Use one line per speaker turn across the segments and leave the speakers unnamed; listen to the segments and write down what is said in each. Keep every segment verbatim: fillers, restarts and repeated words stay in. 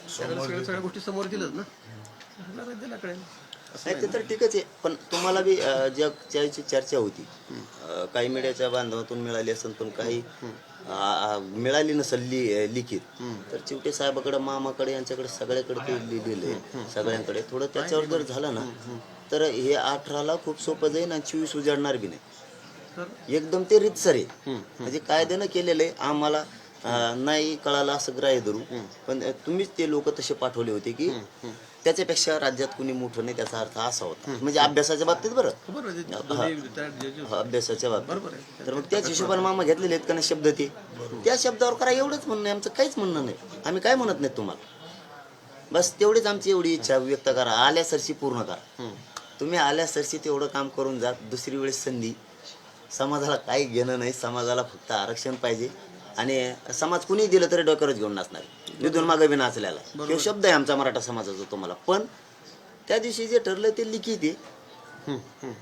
सगळ्या सगळ्या गोष्टी समोर दिलंच ना, दिला कळेल.
नाही ते तर ठीकच आहे, पण तुम्हाला बी अं, ज्या ज्याची चर्चा होती अं, काही मीडियाच्या बांधवातून मिळाली असेल, पण काही आ- आ- मिळाली नसेल लि लिखित, तर चिवटे साहेबाकडे, मामाकडे, यांच्याकडे सगळ्याकडे ते लिहिलेलं आहे सगळ्यांकडे. थोडं त्याच्यावर जर झालं ना तर हे अठराला खूप सोपं जाईल आणि चोवीस उजाडणार बी नाही. एकदम ते रीतसर आहे, म्हणजे कायद्यानं केलेलं आहे. आम्हाला अं, नाही कळालं असं ग्राह्य धरू, पण तुम्हीच ते लोक तसे पाठवले होते की त्याच्यापेक्षा राज्यात कुणी मोठं नाही, त्याचा अर्थ असा होता. म्हणजे अभ्यासाच्या बाबतीत बरं,
बरोबर आहे, ते दोन्ही retired judges.
हा, अभ्यासाच्या बाबतीत.
बरोबर आहे.
तर मग त्याच हिशोबाने मामा घेतलेले आहेत का नाही शब्द, ते त्या शब्दावर करा एवढंच म्हणणं आहे आमचं, काहीच म्हणणं नाही. आम्ही काय म्हणत नाही तुम्हाला, बस तेवढीच आमची एवढी इच्छा व्यक्त करा, आल्या सरशी पूर्ण करा. तुम्ही आल्या सरशी तेवढं काम करून जा. दुसरी वेळेस संधी, समाजाला काही घेणं नाही, समाजाला फक्त आरक्षण पाहिजे. आणि समाज कुणी दिलं तरी डोक्यावरच घेऊन नाचणार, निधून मागे बी नाचल्याला. तो शब्द आहे आमचा मराठा समाजाचा तुम्हाला. पण त्या दिवशी जे ठरलं ते लिखित आहे,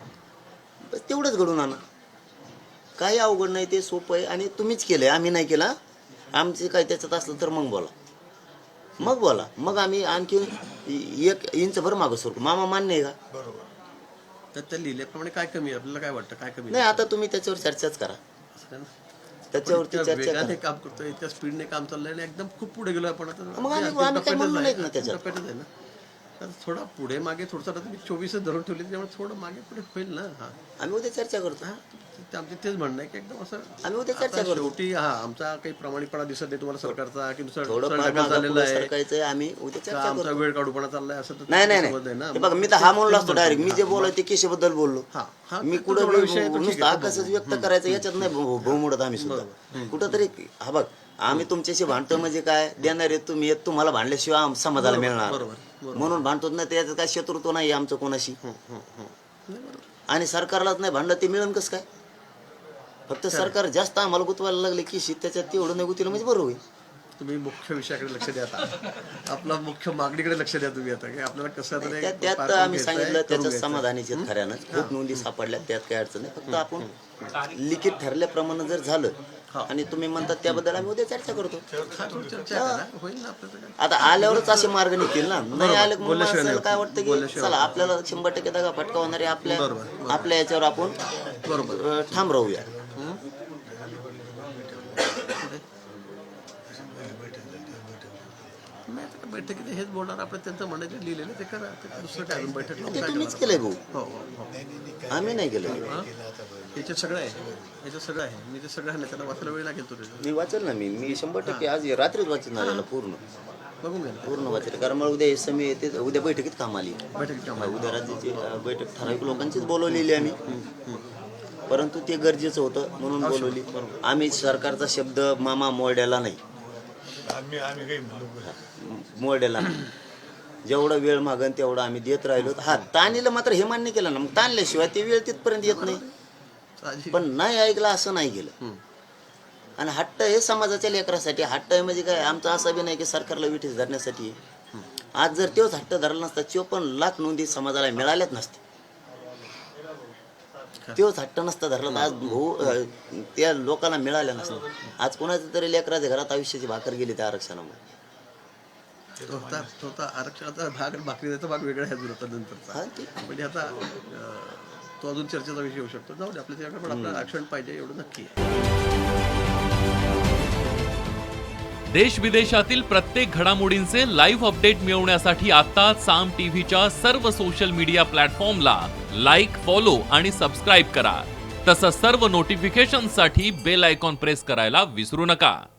बस तेवढंच घडून आणा. काही अवघड नाही, ते सोपं आहे. आणि तुम्हीच केलंय, आम्ही नाही केला. आमचे काही त्याच्यात असलं तर मग बोला, मग बोला, मग आम्ही आणखी एक इंच भर मागं सरकू. मामा मान्य आहे का?
बरोबर. तर त्या लिहिल्याप्रमाणे काय कमी आहे, आपल्याला काय वाटतं काय कमी
नाही, आता तुम्ही त्याच्यावर चर्चाच करा,
असं काय ना?
त्याच्यावरती
इतक्या
चर्चा
वेगाने
करा.
काम करतोय, इतक्या स्पीडने काम चाललंय आणि एकदम खूप पुढे गेलो आपण आता.
मग आम्ही-
ते
आम्ही काय
टप्प्यातच
म्हणलो
आहे,
नाहीत ना त्याच्यात.
टप्प्यातच आहे ना. तर थोडा पुढे मागे थोडंसं, आता तुम्ही चोवीसच धरून ठेवले, त्यामुळे थोडं मागे पुढे होईल ना. हा
आम्ही उद्या चर्चा करतो.
हा, ते आमचे तेच म्हणणं आहे की एकदम असं
आम्ही उद्या चर्चा
आता
करू.
शेवटी हा आमचा काही प्रामाणिकपणा दिसत नाही तुम्हाला सरकारचा, की दुसरा
थोडं
दुसरा
फार
ढकल
मागं
झालेला
पुढं
आहे
सरकायचंय, आम्ही उद्या
का
चर्चा
आमचा
करू.
वेळ काढूपणा चाललाय असं तर
नाही नाही
समज आहे ना.
नाही, हे बघा, मी तर हा म्हणलो असतो डायरेक्ट. मी जे बोलाय ते केशबद्दल बोललो.
हा, हा,
मी
तो
कुठं
थोडा विषय आहे, तो ठीक
नुसतं
आहे, तो
आकाशच
बघू.
व्यक्त करायचं याच्यात नाही भाऊ भाऊ मोडत आम्ही सुद्धा कुठं तरी. हा बघ, आम्ही तुमच्याशी भांडतो म्हणजे काय, देणार आहे तुम्ही, तुम्हाला भांडल्याशिवाय आम- समाजाला मिळणार,
बरोबर, बरोबर.
म्हणून भांडतो ना. त्याच्यात काय शत्रुत्व नाही आमचं कोणाशी. आणि सरकारलाच नाही भांडलं, ते मिळेल कसं काय? फक्त सरकार जास्त आम्हाला गुतवायला लागले की शी, त्याच्यात तेवढं नाही गुतवलं म्हणजे बरोबर होईल.
तुम्ही मुख्य विषयाकडे लक्ष द्या आता. आपला मुख्य मागणीकडे लक्ष द्या तुम्ही आता, की आपल्याला कसं तरी
त्यात
पार
त्यात
करून
आम्ही
घ्यायचं आहे,
सांगितलं,
करून
त्याच्यात
घ्यायचं आहे.
समाधानीचे आहेत खऱ्यानं. खूप नोंदी सापडल्या, त्यात काही अडचण नाही. फक्त आपण लिखित ठरल्याप्रमाणे जर झालं आणि तुम्ही म्हणतात त्याबद्दल आम्ही उद्या चर्चा करतो.
हा, थोडी चर्चा करा, होईल ना आपल्याला काय.
आता आल्यावरच असे मार्ग निघतील ना, नाही आलं की मग
बोलल्याशिवाय
माणसाला
नाही.
काय वाटतं की
बोलल्याशिवाय
चला आपल्याला शंभर टक्के दगा फटका होणार आहे, आपल्या
बरोबर,
आपल्या याच्यावर आपण
बरोबर.
अं, ठाम राहूया.
नाही, आता काय बैठकीत हेच बोलणार आपण, त्यांचं म्हणायचं लिहिलेलं ते करा. ते दुसरं काय अजून बैठक लावून
ते
काय
तुम्हीच
करणार?
केलंय भाऊ,
हो हो हो.
आम्ही नाही केलं.
हा? याच्यात सगळं आहे, याच्यात सगळं आहे. मी ते सगळं आहे ना, त्याला वाचायला वेळ लागेल तो त्याचा.
मी वाचेल ना, मी मी शंभर टक्के आज रात्रीच वाचणार याला पूर्ण
बघून घ्या ना.
पूर्ण वाचेल. कारण मला उद्या हे समय येते, उद्या बैठकीत काम आली.
बैठकीत काम आहे.
उद्या राज्याची अं, बैठक ठराविक लोकांचीच बोलवलेली आम्ही, परंतु ते गरजेचं होतं म्हणून बोलवली. आम्ही सरकारचा शब्द मामा मोड्याला नाही, मोड्याला नाही. जेवढा वेळ मागन तेवढा आम्ही देत राहिलो. हा, ताणीला मात्र हे मान्य केलं ना, मग ताणल्याशिवाय ते वेळ तिथपर्यंत येत नाही.
साहजिक.
पण नाही ऐकलं असं नाही केलं. आणि हट्ट हे समाजाच्या लेकरासाठी. हट्ट आहे म्हणजे काय, आमचा असा बी नाही की सरकारला विठीस धरण्यासाठी आहे. आज जर तोच हट्ट धरला नसता, चोपन्न लाख नोंदी समाजाला मिळाल्याच नसते. तोच हट्ट नसता धरला तर आज भाऊ अं, त्या लोकांना मिळाल्या नसतं. आज कोणाच्या तरी लेकराच्या घरात आयुष्याची भाकर गेली त्या आरक्षणामुळे.
तो होता तो होता आरक्षणाचा भाग आणि भाकरी द्यायचा भाग वेगळा आहे अजून आता नंतरचा.
हा, ते-
म्हणजे आता अं, तो अजून चर्चेचा विषय होऊ शकतो. जाऊ दे, आपल्या त्याच्याकडे पण आपल्याला आरक्षण पाहिजे एवढं नक्की आहे.
देश विदेशातील प्रत्येक घडामोडींचे लाईव्ह अपडेट मिळवण्यासाठी आता साम टीव्हीच्या सर्व सोशल मीडिया प्लॅटफॉर्मला लाईक, फॉलो आणि सबस्क्राईब करा. तसंच सर्व नोटिफिकेशनसाठी बेल आयकॉन प्रेस करायला विसरू नका.